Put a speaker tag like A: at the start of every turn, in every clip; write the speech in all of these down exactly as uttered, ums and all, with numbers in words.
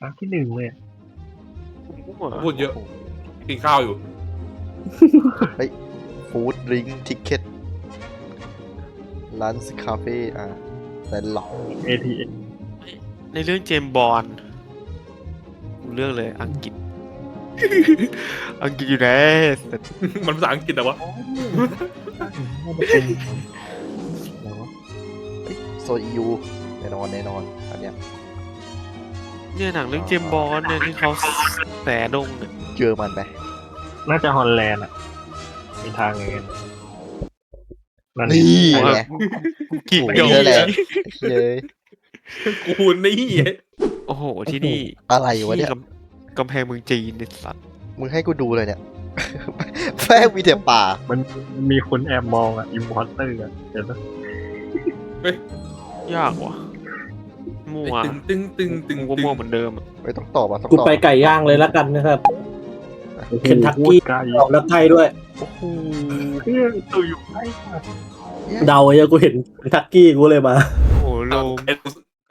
A: ครั้งที่หนึ่งเลย
B: พูดเยอะกินข้าวอยู่
C: เฮ้ยฟู้ดดริงทิกเก็ตร้านคาเฟ่อ่ะแต่หลอก
A: เอ ที เอ็ม
D: ในเรื่องเจมส์บอลกูเลือกเลยอังกฤษ อังกฤษอยู่ไหน
B: มันภาษาอังกฤษแต่ว่า
A: น่าจะเป็นอะไรวะ
C: โซนยูแน่นอนแน่นอนอันเนี้ย
D: เนี่ยหนังเรื่องเจมส์บอลเนี่ยที่เขาแสดงเนี่ย
C: เจอมันไหม
A: น่าจะฮอลแลนด์อ่ะมีทางไงกันนั่น
C: นี่
A: ไง
C: ไง
D: กี่
C: โอ้
D: เดียว
C: เยอะแหละเย้ย
B: กูนี่
D: โอ้โหที่นี่
C: อะไรวะเนี่ย
D: ที่กำกำแพงเมืองจีนเนี่ยสัตว์
C: มึงให้กูดูเลยเนี่ย แฟ้งมีแต่ป่า
A: มันมีคนแอบมองอ่ะอิมพอร์เตอร์อ่ะเห็นปะ
D: ยากว่ะมั่ว
B: ตึงตึงตึงตึง
D: กูก็มั่วเหมือนเดิมอะ
C: ไม่ต้องตอบอ่ะต้อง
E: กู
C: ตอบ
E: ไปไก่ย่างเลยแล้วกันนะครับ เคนทักกี้
A: ไกล
E: ออกแล้วไทยด้วย
C: โอ้โห
A: เพื่อนตัวอยู่ใกล้มาก
E: เดาเยอะกูเห็นเคนทักกี้กูเลยมา
D: โอ้โหโลม
B: ไอ้กู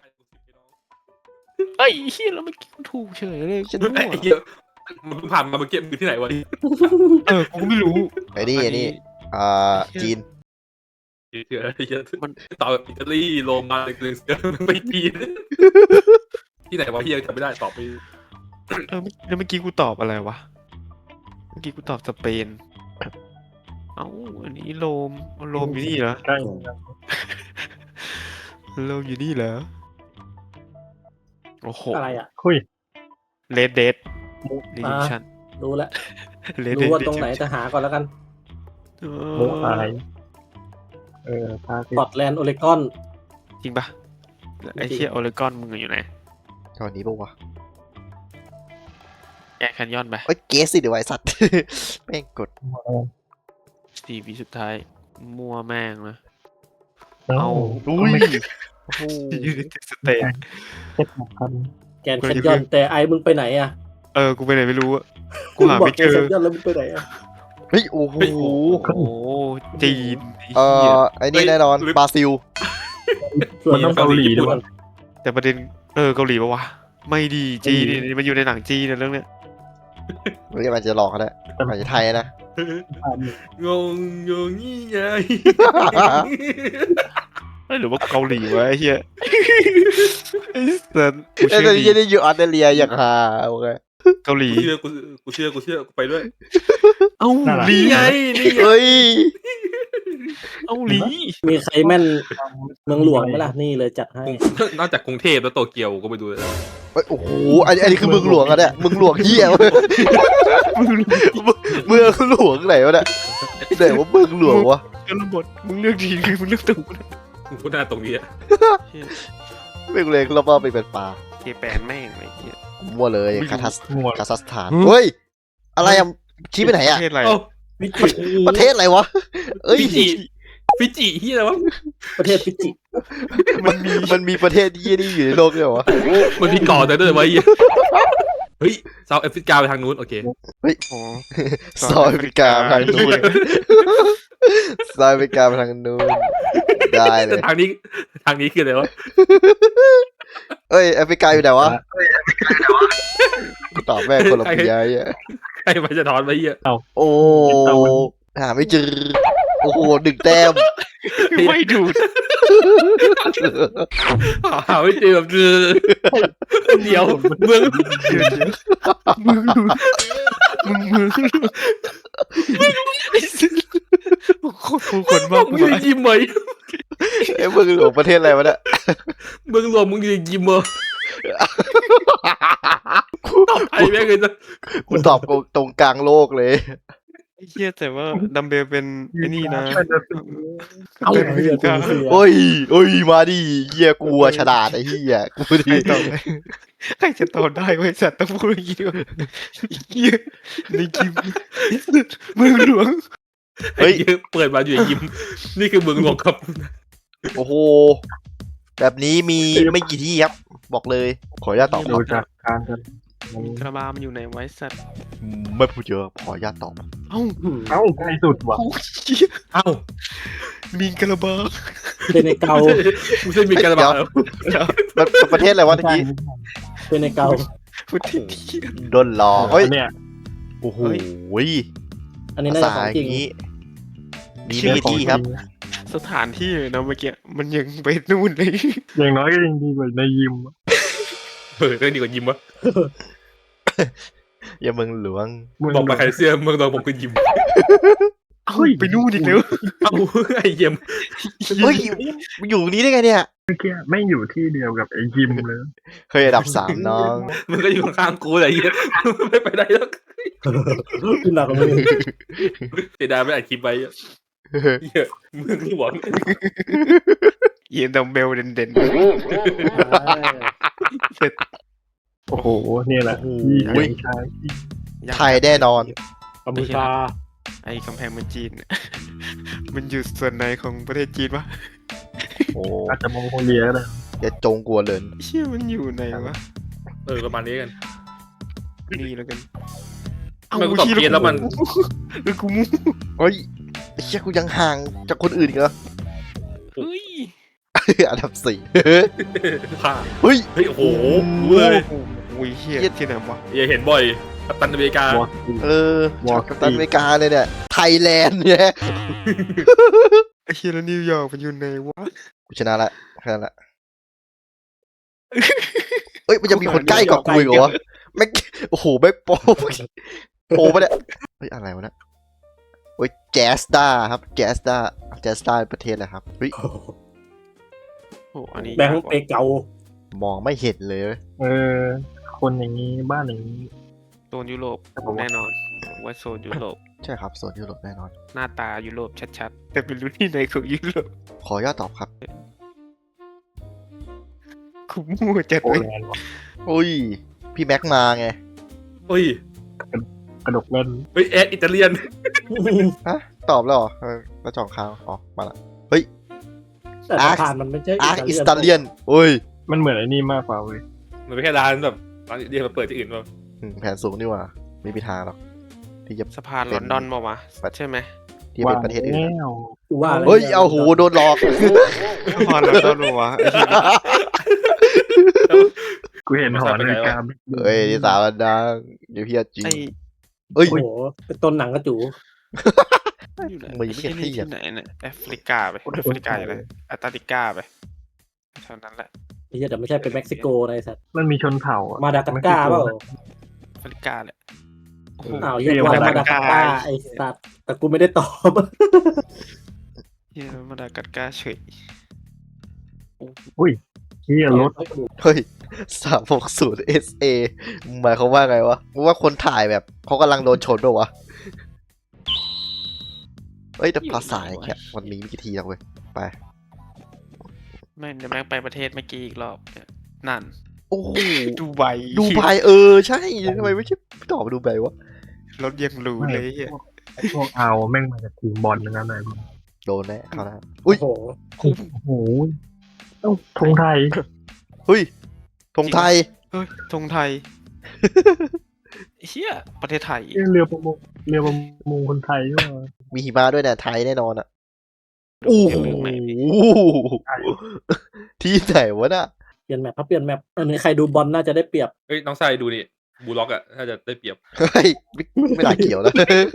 D: เอ้ยเฮียแล้วเมื่อกี้กูถูกเฉยเลยฉันมั่ว
B: ไอ้เหี้ยมันเพิ่งผ่านมาเมื่อกี้มือที่ไหนวะ
D: เออกูไม่รู้
C: ไอ้นี่ไอ้นี่อ่าจีน
B: เชื่อไอ้เหี้ยมันต่อแบบอิตาลีโรมาเลยคือไม่ปีนที่ไหนวะเฮียจำไม่ได้ตอบไป
D: เออแล้วเมื่อกี้กูตอบอะไรวะเมื่อกี้กูตอบสเปนเอ้าอันนี้โรมเอาโรมอยู่นี่เหรอ
A: ใกล้
D: โรมอยู่นี่เหรอโอ้โห
E: อะไรอ่ะ
A: คุย
D: เลดเดดรีดิชัน
E: รู้แล้ว
D: เลดเด
E: รู้
D: ด
E: ว่าตรงไหนจะหาก่อนแล้วกัน
A: โมอะไรเออพา
E: สกอตแลนด์โอเรกอน
D: จริงปะไอ้เชี่ยโอเลกอนมึงอยู่ไหน
C: ตอนนี้ปะวะ
D: แอร์แคนยอนไป
C: เอ้ยเกสสิเดี๋ยวไอ้สัตว์ แม่งกด
D: สี่วิสุดท้าย มัวแม่งนะ
A: เอา
D: เอา
C: อุ้ย
D: โอ้โหยูนิตสเตท
A: เจ็ดหกพัน
E: แกนแคนยอนแต่ไอ้มึงไปไหนอ่ะ
D: เออ กูไปไหนไม่รู้อะกูหา
E: บอก
D: ไม่
E: แก
D: เจ
E: น
D: อ
E: แคนยอนแล้วมึงไปไหนอ่ะ
C: เฮ้ยโอ้โห
D: โอ้โห จีน
C: เอ่อไอ้นี่แน่นอนบราซิล
E: ส่วน
A: มันต้องเกาหลีด้วย
D: แต่ประเด็น เออ เกาหลีปะวะ ไม่ดีจีนนี่มันอยู่ในหนังจีนเนี่ยเรื่องเนี้ย
C: เฮ้ยมันจะหลอกกันแหละมันจะไทยนะ
B: งงงงงี้ไง
D: เอ้ยหรือว่าเกาหลีวะไอ้เหี้ยไอ้สัสกู
C: ไอ้
D: เชื่
C: ตั
D: อ
C: ว
D: ดี
C: นี้ได้อยู่ออสเตรเลียอย่างฮาโอเค
D: เกาหลี
B: กูเชื่อกูกูเชื่อกูเชื่อกูไปด้วย
D: เอ้า
A: น่ารัก
D: หลี
B: นี่ไงนี่ไง
C: เฮ้ย
D: เอ้าหลี
E: มีใครแม่นเมืองหลวงไหมล่ะนี่เลยจัดให้
B: นอกจากกรุงเทพแล้วโตเกียวก็ไปดูเลย
C: เฮ้ยโอ้โหอันนี้อันนี้คือเมืองหลวงอะเนี่ยเมืองหลวงเหี้ยเว้ยเมืองหลวงไหนวะเนี่ยไหนว่าเมืองหลวงวะ
D: ชนบทมึงเลือกดีคือมึงเลือกถูกนะ
B: กูหน้าตรงนี้อะ
C: เมืองเล็กแล้วก็ไปเป็นป่า
D: เจแปนแม่งไอ้เหี้ย
C: มั่วเลย
D: ไม่รู้
C: คาทัส
A: หมวด
C: คาซัคสถานเฮ้ยอะไรอะชี้ไปไหน
D: ป
C: อะ
D: ระเทศอะไร
B: เอ้า
E: ฟิจิ
C: ประเทศอะไรวะเอ้ย
B: ฟิจิฟิจิที่อะไรวะ
E: ประเทศฟิจิ
C: มันมีมันมีประเทศที่นี่อยู่ในโลกด้วยเหรอวะ
B: มันมีเก่อแต่ด้วยวะเฮ้ยเซาท์แอฟริกาไปทางนู้นโอเค
D: โอ้
C: ซอยแอฟริกาไปทางนู้นซอยแอฟริกาไปทางนู้นได้เลย
B: ทางนี้ทางนี้คืออะไรวะ
C: เอ้ยแอฟริกาอยู่ไหนวะกูตอบแม่งคนละปีไอ้
B: ใครมาจะถอนไปเหี้ย
C: โอ้หาไม่เจอโอ้โหหนึ่งแต้ม
D: ไม่ดูด
B: หาไม่เจอแบบเจอเดียวเมือง
D: มึงมึงมึงคนผู้คนมาก
B: มึงจะยิ้มไหม
C: ไอ้เมืองหลวงประเทศอะไรวะเนี่ย
B: เมืองหลวงมึงจะยิ้มเหรอไอ้แม่งเลยนะ
C: กูตอบตรงกลางโลกเลย
D: ไอ้เหี้ยแต่ว่าดัมเบลเป็นไอ้นี่นะ
E: เอา
D: เป็น
E: เรือ
D: กลาง
E: เรือ
C: โอ้ยโอ้ยมาดิเฮียกูอะฉลาดไอ้เฮียกู
D: ใคร
C: ดี
D: ตอบใครจะตอบได้เว้ยสัตว์ต้องพูดอย่างนี้ด้วยเหี้ยในคิมเมืองหลวง
B: ไอ้เหี้ยเปิดมาอยู่ยิ้มนี่คือเมืองหลวงครับ
C: โอ้โหแบบนี้มีไม่กี่ที่ครับบอกเลยขออนุญาตตอบค
A: ดู
C: รับ
A: จากการกันมัน
D: คาราบามันอยู่ในไว้สัตว์
C: ไม่พูดเยอะขออนุญาตตอบ
D: เอ้า
A: เอ้าใกล้สุดว่ะ
D: โอ้ยเหี้ย
B: เอ้า
D: มีคาราบา
E: เซเนเกา
B: กูเส้นมีการบาล
C: มันประเทศอะไรวะตะกี้
E: เซเนเกา
D: ประเทศที่
C: โดนหลอกเฮ้ย
A: เนี่ย
C: โอ้โห
E: อันนี้
C: ภา
E: น่าจะ
C: ษา
E: ของ
C: อ
E: จริง
C: ย่างนี้มีไม่กี่ที่ครับ
D: สถานที่เลยนะเมื่อกี้มันยังไปนู่นเลย
A: อย่างน้อยก็ยังดีกว่าในยิมอะ
B: เออเรื่องดีกว่ายิมวะ
C: อย่าเมืองหลวง
B: บอกมาใครเสื้อเมืองตองผมคือยิม
D: เอ้าไปนู่นอีกแล้ว
B: เอ้าไอ้เยี่ยม
C: เฮ้ยมันอยู่นี้ได้ไงเนี่ย
A: เมื่อกี้ไม่งอยู่ที่เดียวกับไอ้ยิมเลย
C: เคยอันดับสามน้อง
B: มึงก็อยู่ข้างๆกูแหละไอ้เหี้ยไม่ไปไหนแล้ว
E: ขึ้นหนักกว่ามึง
B: เสียดายไม่อัดคลิปไว้อะเหี้ยมึงหลวง
D: เย็นดัมเบลเด่น
A: โอ้โหเนี่ยแหละ
C: โอ้โห
A: ที่เก่งชาย
D: ๆ
C: ไทยแน่นอน
E: กัมพูชา
D: ไอ้กำแพงเมืองจีน เนี่ยมันอยู่ส่วนไหนของประเทศจีนวะ
C: โอ้
A: อาจจะมองโกเลียก็ได้
C: อย่าจงกลัวเลย
D: เชี่ยมันอยู่ไหนวะ
B: เออประมาณนี้กัน
D: นี่แล้วกัน
B: ทำไมกูตอบเพี้ยนแล้วมัน
D: เออกูมู
C: เฮ้ยไอ้เชี่ยกูยังห่างจากคนอื่นอีกเหรอ
D: เฮ้ย
C: อันดับสี่
B: ผ้า
C: เฮ้ย
B: เฮ้ยโอ้โหรู้เลย
D: โอ้ยเฮียที่ไหนวะ
B: อย่าเห็นบ่อยกัปตันอเมริกา
A: วอร์ซี
C: เออ
A: วอร์
C: กัปตันอเมริกาเลยเนี่ย ไทยแลนด์เนี่ย
D: ไอ้เฮียแล้วนิวยอร์กมันอยู่ไหนวะ
C: กูชนะละแค่นั้นละเอ้ยมันยังมีคนใกล้กว่ากูอีกเหรอวะแม็กโอ้โหแม็กโปโปปะเนี่ยเฮ้ยอะไรวะเนี่ยเฮ้ยแจสตาครับแจสตาแจสตาประเทศอะไรครับเฮ้ย
D: โอ้อันนี้
E: แบงค์เปเกาม
C: องไม่เห็นเลยเว้ย
A: เออ คนอย่างนี้บ้านอย่างนี้
D: โซนยุโรปแน่นอนว่าโซนยุโรป
C: ใช่ครับโซนยุโรปแน่นอน
D: หน้าตายุโรปชัดๆ แต่ไม่รู้ที่ไหนของยุโรป
C: ขออนุญาตตอบครับ
D: กูมั่วจัด
A: โป
D: เลย
A: แลนด์วะ
C: อุ้ยพี่แม็กมาไง
B: เฮ้ย
A: กระดกเล่น
B: เฮ้ยแอดอิตาเลียน
C: ฮะตอบแล้วเหรอเออแล้วจองค้างอ๋อมาละ
E: แต่สะพานมันไม่ใช่
C: อาร์คอิสตาเลียนอุ้ย
A: มันเหมือนไอ้นี่มากกว่าเว้ย
B: มันไม่แค่ร้านแบบร้านเดียวมาเปิดที่อื่นป่ะ
C: อืมแผนสูงนี่หว่าไม่มีทางหรอกที่จะ
D: สะพานลอนดอนมาวะใช่ไหม
C: ที่จะเป็นประเทศอื่น
A: แล้ว
E: กูว่าแล้ว
C: เฮ้ยเอาหูโดนหลอก
D: สะพานลอนดอนมาวะไอ้เหี้ย
A: กูเห็นหอนาฬิกา
C: เฮ้ยที่สามอันดังเดี๋ยวพี่จริง
D: ไอ้
C: เอ้ย
E: โอ้โหเป็นต้นหนังกระจู
D: อยู่ไหน
C: มันยังไม่
D: ที่
C: เห็นที่
D: นี่
C: อ่ะ
D: ที่ไหนเนี่ยแอฟริกาไปแอฟริกาอยู่เลยแอตแลนติกาไปเท่านั้นแหละ
E: ไม่ใช่แต่ไม่ใช่เป็นเม็กซิโกนะไอ้สัตว์
A: มันมีชนเผ่าอะ
E: มาดากัสการ์เปล่า
D: แอฟริกาแหละโอ้โห
E: อ้าวเรียกว่ามาดากัสการ์ไอ้สัตว์แต่กูไม่ได้ตอบ
D: เฮียมาดากัสการ์เฉย
A: ที่รถ
C: เฮ้ยสามหกศูนย์เอสเอหมายความว่าไงวะมึงว่าคนถ่ายแบบเขากำลังโดนชนด้วยวะเอ้ยแต่ภาษาอย่างเงี้ยมันมีไม่กี่ทีหรอกเว้ยไป
D: แม่งเดี๋ยวแม่งไปประเทศเมื่อกี้อีกรอบเนี่ยนั่น
C: โอ้โห
D: ดูไบ
C: ดูไบเออใช่ทำไมไม่คิดตอบดูไบวะ
D: รถยังหรูเลยเฮีย
A: พวกเอาแม่งมาจากทีมบอลทั้งนั้นเลย
C: โดนแน่เขานะ
E: โอ้โห
A: โอ้โหต้องธงไทย
C: เฮ้ยธงไทย
D: เฮ้ยธงไทยเฮียประเทศไทย
A: เรือประมงเรือประมงคนไทยด้วย
C: มีหิมะด้วยเนี่ยไทยแน่นอนอ่ะโอ้โหที่ไหนวะน่ะ
E: เปลี่ยนแมปถ้าเปลี่ยนแมปอันนี้ใครดูบอลน่าจะได้เปรียบ
B: เฮ้ยน้องชายดูนี่บูล็อกอะถ้าจะได้เปรียบ
C: เฮ้ยไม่ไม่น่าเกี่ยวแล้ว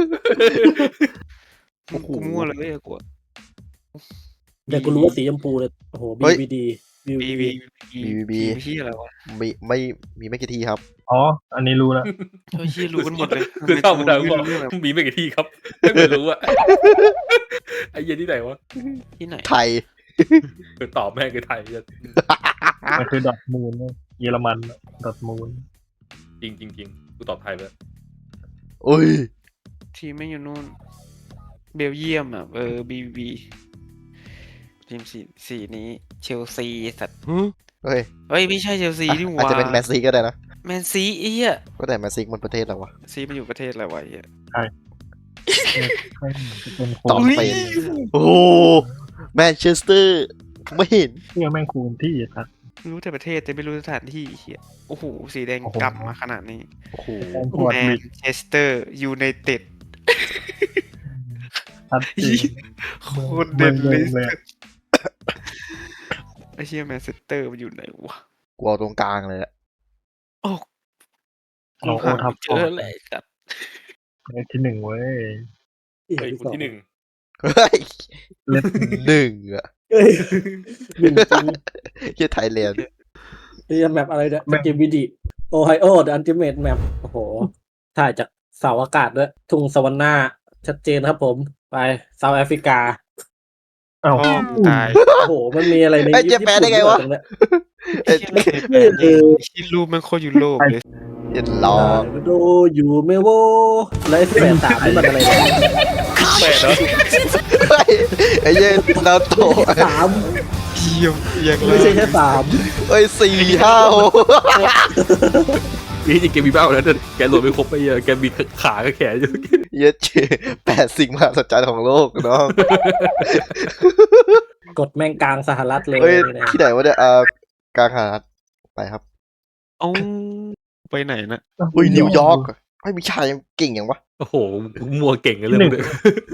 C: โอ้โห
D: กูมั่วเลยเว้ยกู
E: แต่กูรู้ว่าสีชมพูเลยโอ้โห
C: เฮ้ย
E: บี วี ดี
D: บีบีบี
C: บี
D: ที่อะไรวะ
C: มีไม่มีไม่กี่ทีครับ
A: อ๋อ อันนี้รู้แล้ว
D: เฮ้ยเฮียรู้กันหมดเลย
B: คือเข้ามา
D: ทำ
B: ทาง
D: ไม
B: ว่า
D: กูไม่รู้เรื่องอะ
B: มีไม่กี่ที่ครับไม่รู้อะไอ้เหี้ยที่ไหนวะ
D: ที่ไหน
C: ไทย
B: คือตอบแม่งคือไทย
A: มันคือดอทมูลเนี่ยเยอรมันดอทมูล
B: จริงจริงจริงกูตอบไทยไปแล้ว
C: อุ้ย
D: ทีมไม่อยู่นู่นเบลเยียมอ่ะเออบีบีทีมสีสีนี้เชลซีสัตว์
C: เฮ้ย
D: เฮ้ยไม่ใช่เชลซีนี่ห
C: อาจ
D: ว่า
C: จะเป็นแมนซีก็ได้นะ
D: แมนซีไอ้เหี้ย
C: ก็แต่แมนซีมันประเทศอะไรวะ
D: ซีมันอยู่ประเทศอะไรวะไอ้เหี้ย
A: ไม่เหมือนจะเป็นโค
C: ตอบ
A: น
C: ไป โอ้โหแมนเชสเตอร์ไม่เห็น
A: เที่ยวแม่งคูณที่ครับ
D: รู้แต่ประเทศแต่ไม่รู้สถานที่ไอ้เหี้ยโอ้โหสีแดง
A: โอ้โห
D: กำมาขนาดนี้
C: โอ้โห
A: แม่งปวด
D: แม
A: บิ
D: น
A: ด
D: เชสเตอร์ยูไนเต็ด
A: ชัดเจน
D: โคตรเด่นเลย
A: เลย
D: ไอ้เหี้ยแมนเชสเตอร์มันอยู่ไหนวะ
C: กูเอาตรงกลางเลยอะ
D: โอ้
A: เรา
D: หา
A: ทับ
D: เจออะไรจัด
A: ที่หนึ่งเว้ย
E: อีก
B: เฮ้ย
E: ที่
B: คน
E: สอง
B: ที่หนึ่ง
C: เฮ้ย
A: เล็บ
C: หนึ่งอะ
E: เอ้ยหนึ่งจริง
C: เฮียไทยแลนด์
E: นี่แมปอะไรเนี่ยสกิมวิดีโอไฮโอเดอะอันติเมทแมปโอ้โหถ่ายจากเสาอากาศด้วยทุ่งสวรรค์หน้าชัดเจนครับผมไปเซาท์แอฟริกา
A: เอ้า
D: พ่อมึงตาย
E: โอ้โห มันมีอะไรใน
C: ไอ้เจ๊แปลได้ไงวะ
E: ญี่ปุ่นด้วยตรงเนี้ย
C: เอ็ด
D: ไม่เคยแปลเลยที่รูปมันโคตรยุโรปเลย
C: เอ็ดล้อ
E: โดอยู่เมโวแล้วไอ้แปดสามนี่มันอะไรเนี่ย
B: แปดเนาะ
C: เฮ้ยไอ้เหี้ยนาโตะ
E: สาม
D: เยี่ยมอย่าง
E: ไม่ใช่แค่สาม
C: เอ้ยสี่ห้าหก
B: นี่จริงเกมมีเบ้าแล้วแต่แกโหลดไม่ครบไปเยอะแกมีขากับแขนอยู่
C: เหี้ยเจแปดสิ่งมหัศจรรย์ของโลกน้อง
E: กดแม่งกลางสหรัฐเลย
C: เฮ้ย
E: เนี่ย
C: ที่ไหนวะเนี่ยอ่ากลางหาดไปครับ
D: เอ้าไปไหนนะ
C: เฮ้ยนิวยอร์กไอ้ยมีชายยังเก่งอย่างวะ
B: โอ้โหมัวเก่งกันเรื่องเลย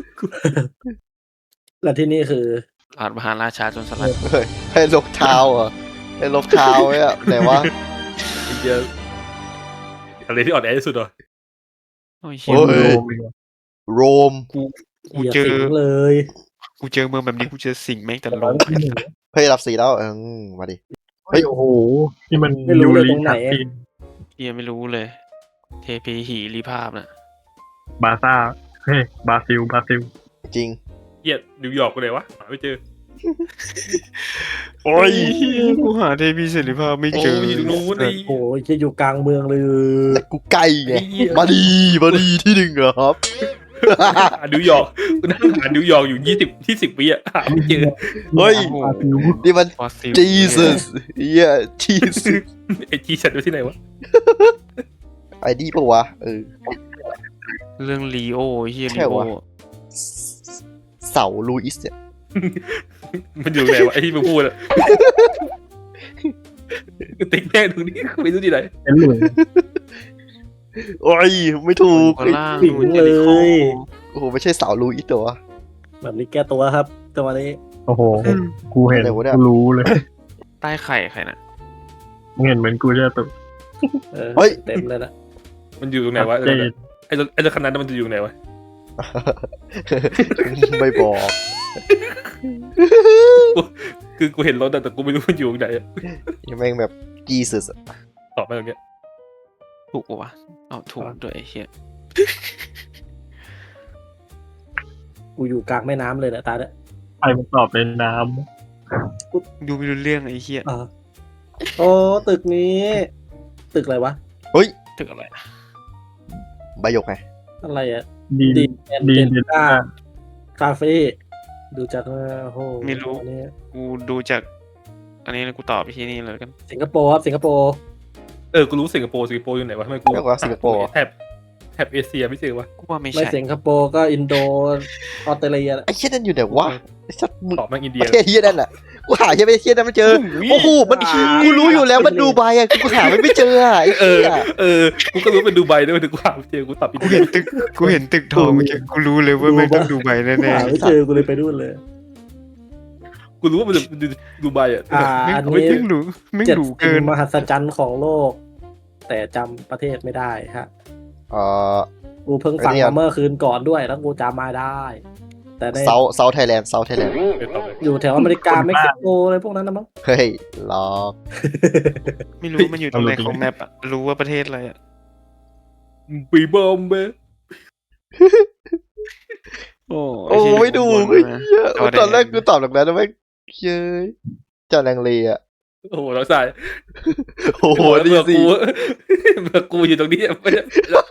E: แล้วที่นี่คือ
D: อาจมหาราชาจนสลัด
C: เฮ้ยให้ลบเท้าเหรอ่ะให้ลบเท้าเนี่ยไหนวะ
B: ไอ้เหี้ยอะไรที่อ่อนแอที่สุดเหรอ
D: โอ้ย
C: โอ้
D: เหี้ย
C: ย โรม
D: กู
E: เหยียบ
D: เจอ
E: สิงเลย
D: กูเจอเมืองแบบนี้กูเจอสิ่งแม่งแต่ล
A: ร้อย
D: ง
A: ที่หนึ่ง
C: เฮ้ยรับสีแล้วเออมาดิ
A: เฮ้ยโอ้โหที่มัน
E: ไม่รู้เลยตรงไหน
A: ชัดเจน
D: เฮียไม่รู้เลย เทพีหีรีภาพน่ะ
A: บาซ่าเฮ้ยบราซิลบราซิล
C: จริง
B: เหี้ยนิวยอร์กกูเลยวะหาไม่เจอ
C: โอ้ย
D: เหี้ยกูหาเทพีเสรีภาพไม่เจอ
B: โอ้ยอยู่ตรงนู้นไอ้
E: โอ้ยจะอยู่กลางเมืองเลย
C: แต่กูไกลไง
B: ไอ้เหี้ย
C: มาดีมาดีที่หนึ่งเหรอครับ
B: หานิวยอร์กกูนั่งหานิวยอร์กอยู่ยี่สิบที่สิบปีอะหาไม่เจอ
C: เฮ้ย
A: บราซิล
C: นี่มัน
D: ฟอสซิล
C: Jesus เฮีย Jesus
B: ไอ้จีฉันอยู่ที่ไหนวะ
C: ไอ้ดีปะวะเออ
D: เรื่องลีโอเฮีย
C: ใช่
D: ลีโอ
C: วะ เสาลูอิสเนี่ย
B: มันอยู่ไหนวะไอ้ที่มึงพูดอะติ๊กแม่งตรงนี้ไม่รู้ที่ไหน
A: เป็นเหลือง
C: โอ้ยไม่ถูก
D: ข้างล่าง
E: สิง
D: นู่น
E: เล
D: เจริโค
E: ย
C: โอ้โหไม่ใช่เสาลูอิสตัววะ
E: แบบนี้แก้ตัวครับจังหวะนี้
A: โอ้โหกูเห็น
C: อะไรวะเนี่ย
A: กูรู้เลย
D: ใต้ไข่ใครน่ะ
A: มึงเห็นเหมือนกูจะตก
E: เออ
C: เฮ้ย
E: เต็มเลยนะ
B: มันอยู่ตรงไหนวะ
A: ชัดเจน
B: ไอ้รถไอ้รถคันนั้นมันจะอยู่ไหนวะ
C: ไม่บอก
B: คือกูเห็นรถอะแต่กูไม่รู้มันอยู่ตรงไหนอะ
C: ยังแม่งแบบ Jesus อะ
B: ตอบมาตรงเนี้ย
D: ถูกปะวะเอาถูกด้วยไอ้เฮีย
E: กูอยู่กลางแม่น้ำเลยนะตาเนี่ย
A: ใครมันตอบในน้
D: ดูไม่รู้เรื่องไอ้เฮีย
E: อ่าโอ้ตึกนี้ ตึกอะไรวะ
C: เฮ้ย
D: ตึกอะไรอะ
C: ใบหยกไง
E: อะไรอะ
A: ำดี
E: ดีแอน
A: ดี
E: เดน
A: เด
E: ต้าคาเฟ่ดูจากว่าโอ้โห
D: ไม่รู้
E: อันนี้
D: กูดูจาก อันนี้แล้วกูตอบไปที่นี่เลยกัน
E: สิงคโปร์ครับสิงคโปร์
B: เออกูรู้สิงคโปร์สิงคโปร์อยู่ไหนวะทำไมกู
C: เรียกว่าสิงคโปร์อะ
B: แถบแถบเอเชียไม่เจอวะ
D: กูว่าไม่
E: ไม่
D: ใช่
E: สิงคโปร์ก็อินโดออสเตรเลียแหละ
C: ไอ้เชี่ยนั่นอยู่ไหนวะไอ้สัตว์มึง
B: ตอบมาอินเดี
C: ป
B: ย
C: ระเทศเฮียนั่นแหละกูหาเฮียไม่เฮียนั่นไม่เจอ โอ้โหมันกูรู้อยู่แล้วมันดูไบอะกูหามันไม่เจออะไอ้
B: เอ
C: เหี้
B: อย เออกูก็รู้เป็นดูไบด้วยแต่กูหาไม่เจอกูตอบอิน
D: กู
B: เดี
D: เห็
B: ย
D: นตึกกูเห็นตึกทองเมื่อกี้กูรู้เลยว่าไม่งต้องดูใบแน่
E: หาไม่เจอกูเลยไปนู่นเลย
B: กูรู้ว่ามันดูดูไบอะ
E: อ่า
D: ๆไม่
E: อัน
D: ไม่
E: นี้
D: งรู้ไม่ง
E: เจ็ด
D: รู้
E: สิ่
D: เกิน
E: งมหัศจรรย์ของโลก แต่จำประเทศไม่ได้ฮะ
C: เอ่อ
E: กูเพิ่งฟัง
C: ไอ้เนี่ย
E: มาเมื่อคืนก่อนด้วยแล้วกูจำมาได้ แต่ใน
C: เซาเซาไทยแลนด์เซาไทยแลนด์
B: เออตอบเลย
E: อยู่แถวอเมริกาเม็กซิโกอะไรพวกนั้นนะมั้ง
C: เฮ้ยหลอก
D: ไม่รู้มันอยู่ตรงไหนของแมปอะรู้ว่าประเทศอะไรอะ
B: ปีบอมเบ้
D: โอ้
C: โอ้ไม่ดู
D: ไอ้
C: เฮ้ย
D: เหี้ย
C: เหี้ยตอนแรกกูตอบแบบนั้นนะแม่งเย้ยเจ้าแรงเลอะ
B: โอ้โหเราใส่
C: โอ้โห
B: เมื่
C: ดี
B: อ
C: สิ
B: กูเมื่อกูอยู่ตรงนี้ไม่ได้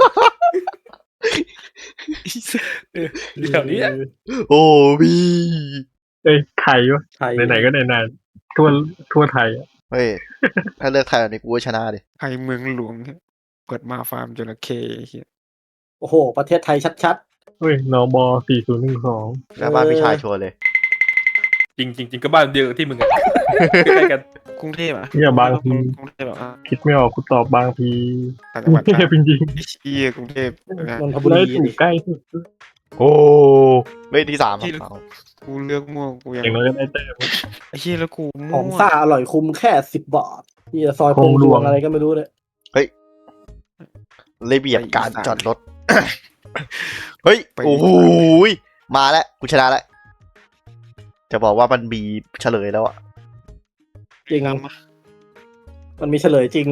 B: แถวนี้
C: โอ้พี่
A: เอ้ยไทยวะ
E: ไทย
A: ไหนๆก็ไหนๆทั่วทั่วไทยอะ
C: เฮ้ยถ้าเลือกไทยแบบนี้กูก็ชนะดิ
D: ไทยเมืองหลวงเปิดมาฟาร์มจระเข้ไอ้เหี้ย
E: โอ้โห ประเทศไทยชัด
A: เฮ้ยนบสี่ศูนย์หนึ่งสอง
C: หน้าบ้านพี่ชายชวนเลย
B: จริงจริงจริงก็บ้านเดียวกับที่มึงอะใกล้กัน
D: กรุงเทพอะ
A: เนี่ยบางที
D: กรุงเทพแบบว่า
A: คิดไม่ออกกูตอบบางที
D: ต่างจังหวัด
A: เทพจริง
D: ไอ้เหี้ยกรุงเทพนะ
E: ๆนนท
A: ๆ
E: บุ
A: ได้
E: รี
A: ถูกใกล้สุด
C: โอ้ไม่ที่สามครับเอา
D: กูเลือกม่วงกูยัง
A: อย่างน้อยก็ได้เต้ม
D: ไอ้เหี้ยแล้วกู
E: ข
D: ม่
E: อ
D: ว
E: ง
D: ง
E: ซ่าอร่อยคุ้มแค่สิบบาทนี่ซอย
A: ค
E: พ
A: ง
E: ง
A: ห
E: ห
A: ล
E: ล
A: ว
E: ว
A: ง
E: งอะไรก็ไม่รู้เนี่ย
C: ระเบียบการจอดรถ เฮ้ย
D: ไป
C: โอ้โหยมาแล้ว กูชนะแล้ว จะบอกว่ามันมีเฉลยแล้วอะ
E: จริง
D: ทำมา
E: มันมีเฉลยจริง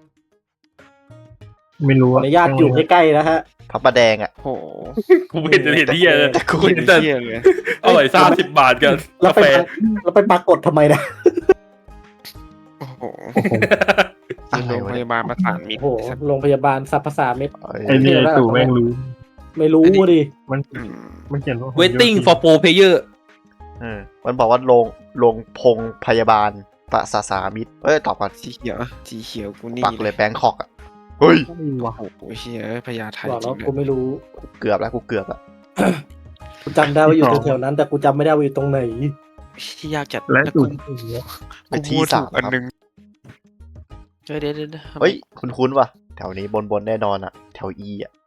A: ไม่รู้
E: ขออนุญาตอยู่ใกล้ๆนะฮะ
C: พระประแดงอะ
D: โอ้โห
B: กูไม่เห็นจะเห็นที่อะไรเลย
C: แต่กู
B: เห็นแต่
D: เหี้ยเลย
B: อร่อยซ่าสิบบาทกัน
E: แล้ว
B: กา
E: ไป
B: แฟ
E: แล้วไปปรากฏทำไมนะ
D: โอ้โห
C: อะไร
D: โรง
C: วะ
D: พ
C: เนี่ย
D: ยาบาลประสานมิตร
E: โอ้โหโรงพยาบาลสรรพสามิต
A: ไอ้นี่ไอ้ตู่แม่งรู้
E: ไม่รู้ดิ
A: มัน
D: อืม
A: มันเขียนว่า
B: waiting for pro player
C: เออมันบอกว่าโรงโรงพงพยาบาลประสาสามิตรเอ้ย ตอบก่อน
D: สีเขียวสีเขียวกูนี่
C: ปักเลยแบงคอกอะเฮ้ย
A: ว้า
D: โอ้โหเฮียพญาไท
E: บอก
D: จ
E: แล้
D: ริ
E: ว
D: งเล
E: กู
D: ย
E: ไม่รู้
C: เกือบแล้ว กูเกือบแล้ว
E: กูจำได้ว่าอยู่แถวๆนั้น แต่กูจำไม่ได้ว่าอยู่ตรงไหน
D: ที่ยากจัด
A: และ
D: แล้ว
A: ตู่
D: กู
C: ไปที่
D: กูมั่วถู
C: สาก ม
D: อัน
C: ครับ
D: หนึงเดี๋ยวเดี๋ยวเดี๋ยวดี๋ว
C: เฮ้ย คุ้นคุ้นๆว่ะ แถวนี้บนบนๆแน่นอนอะแถวอีอะ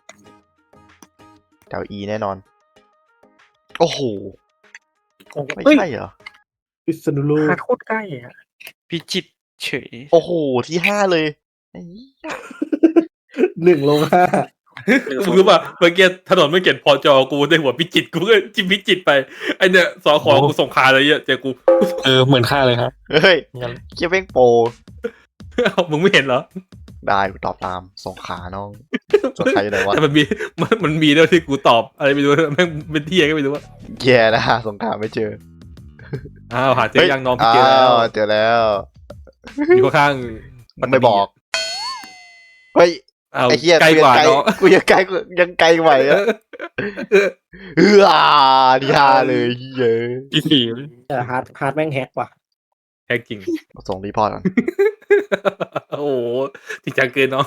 C: แถวอีแน่นอน โอ้โห ไม่ใช่เหรอ
E: พิษณุโลก
A: หาโคตรใกล้อ่ะ
D: พิจิตรเฉย
C: โอ้โห ที่ห้าเลยไอ้เหี้ย
E: หนึ่งลงห้า
B: มึงรู้ป่ะเมื่อกี้ถนนไม่เขียนพอจอกูได้หัวพิจิตรกูก็จิ้มพิจิตรไปไอเนี่ยสอขอกูส่งคาอะไรเงี้ยเจอกู
A: เออเหมือนค่าเลยครับ
C: เฮ้ย
A: งั้น
C: เคียเป้งโปร
B: เอ้ามึงไม่เห็นเหรอ
C: ได้กูตอบตามสองขาน้องส่วนใครอยู่ไหนวะ
B: แต่มันมีมันมันมีด้วยที่กูตอบอะไรไม่รู้แม่งเป็นที่ก็ไม่รู้ว่า
C: แย่นะสงครามไม่เจอ
B: อ้าวหาเจอยังน้องพี่
C: อ้า
B: เจอแล้ว
C: วเจอแล้ว
B: อยู่ข้างๆ
C: ไม่บอก เฮ้ย
B: อ้าว
C: ไอ้เหี้ย
B: ใกล้
C: กู
B: ก
C: ยัง
B: ว่า
C: ไกล
B: เนาะ
C: กูยังไกลกูยังไกลกว่าอ่ะเออที่ห้าเลยเหี้ย
A: ที่สี่
E: แต่ฮาร์ดฮาร์ดแม่งแฮกว่ะ
B: แท้จริง
C: ส่งรีพอร์ตก่อน
B: โอ้โหจริงจังเกินน้อง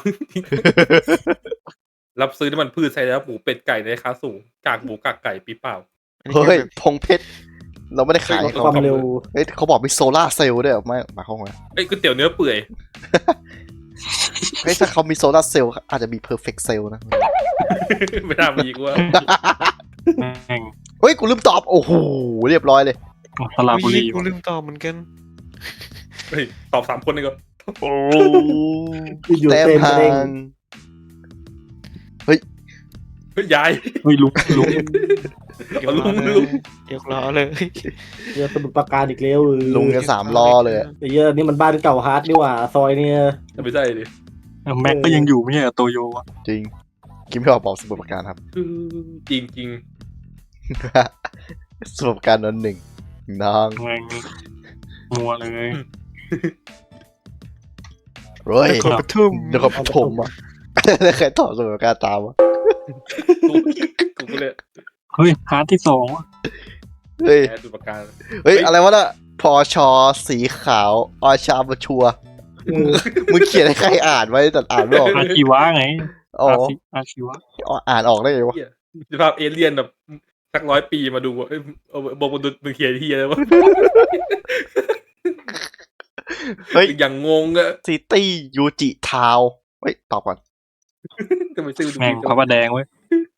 B: รับซื้อน้ำมันพืชใช้แล้วหมูเป็ดไก่ในราคาสูงกากหมูกากไก่ปีเปล่า
D: อันนี้
C: เฮ้ย
D: แค่แบบ
C: พงเพชร เราไม่ได้ขายให้
E: ค
C: เขา
E: วามเร็ว
C: เฮ้ยเขาบอกมีโซล่าร์เซลล์ด้วยเหรอไม่หมายความว่า
B: เอ้ยก๋วยเตี๋ยวเนื้อเปื่อย
C: เฮ้ยถ้าเขามีโซล่าร์เซลล์อาจจะมีเพอร์เฟกต์เซลล์นะ
B: ไม่น่ามีกูว่า
A: แม่ง
C: เฮ้ย กูลืมตอบ โอ้โห เรียบร้อยเลย
A: สระบุ
D: อุ๊ย
A: รี
D: กูลืมตอบเหมือนกัน
B: เฮ้ยตอบสามคนเลยก็
C: โอ้
E: อยู่
C: แต้ม
E: เต้น
C: ห่า
E: เด้ง
C: ง
B: เฮ้ยยาย
A: เฮ้ยลุกลุก
B: เอาลุงลุง
D: เดี๋ยวล้อเลย
E: เยอะสมุดประการอีกแล้วเออ
C: ลุงกันสามล้อเลยอะ
E: ไอ้เยอะนี่มันบ้านเก่าฮาร์ดนี่หว่า ซอยเนี่ย
B: ไม่ใช่ดิ
A: แม็กก็ยังอยู่ไม่ใช่เหรอโตโยวะ
C: จริง กินไม่ออกบอกสมุดประการครับ
B: จริงจริง
C: สมุดประการนนหนึ่งน้อง
A: แม่งมัวเลย
C: เฮ้ย
D: นครปฐม
C: นครปฐมอ่ะ ใครตอบสมุดประการตามวะ
B: ๆกูกูก็เลย
A: เฮ้ยฮาร์ดที่สองวะ
C: เฮ้ย
B: แพ้สุดประการ
C: เฮ้ย อะไรวะน่ะพอชอสีขาวอชาบชัวร์มึงเขียนให้ใครอ่านไว้แต่อ่านไม่ออก
A: อาชีวะไง
C: อ๋อ
A: อาชีอาชีวะ
C: อ่านออกได้ไงวะ
B: เหี้ยสภาพเอเลี่ยนแบบสักร้อยปีมาดูว่าเอ้ยเอาบอกมาดูมึงเขียนที่อะไรวะ
C: เฮ้ย
B: อย่างงงอะ
C: ซิตี้ยูจิทาวเฮ้ย ตอบก่อน
B: ทำไมชื่อดู
A: แม่ง
B: ดี
A: พระประแดงเว้ย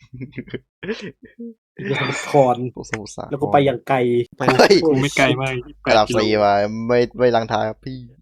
E: เยอะสมุดคอน
C: สมุทรสาคร
E: แล้วก็ไปอย่างไกล
C: เฮ้ย
A: กูไม่ไกลมาก
C: ระดับสี่มาไม่ไม่ลังท้ายครับพี่